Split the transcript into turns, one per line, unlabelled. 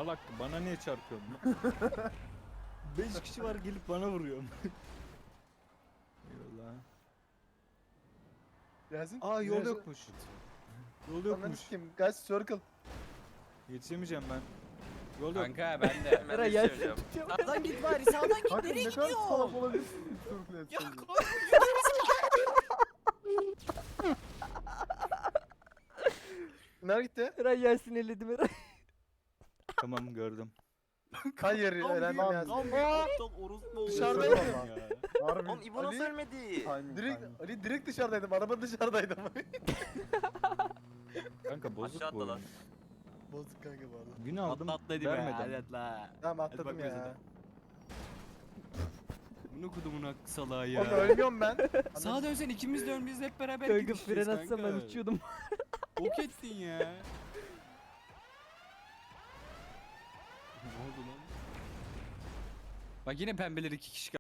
Salak bana niye çarpıyorsun? 5 kişi var gelip bana vuruyor. Eyvallah.
Yasin.
Aa yol
virajı-
yokmuş. Yol
Ananı
yokmuş.
sikeyim. Guys circle.
Yetişemeyeceğim ben. Yol yok.
Kanka ben de hemen
Eray
de
Yasin
söyleyeceğim.
tutuyor.
Sağdan git bari sağdan git.
Kanka
Nereye
ne kadar
gidiyorsun?
salak olabilirsin circle
Ya
etsen.
koy.
Nereye gitti?
Eray Yasin elledim Eray.
Tamam gördüm.
Hayır elendim Yasin.
Aptal orospu oldu.
Dışarıdaydım.
Ya.
Harbi.
Oğlum İbo nasıl
Ali-
ölmedi?
Ali direkt dışarıdaydım. Araba dışarıdaydı ama.
Kanka bozuk
Aşağı
bu.
atla lan.
oyun.
Bozuk kanka bu arada.
Gün aldım
Atla be.
vermedim.
Hadi atla.
Tamam
Hadi
atladım
bak bize
ya.
de. Bunu kudumun salağı
Oğlum
ya.
ölmüyorum ben.
Sağa dönsen ikimiz de ölmeyiz hep beraber
Kanka
gideceğiz
fren atsam ben uçuyordum.
Ok ettin ya. Ne oldu lan? Bak yine pembeler 2 kişi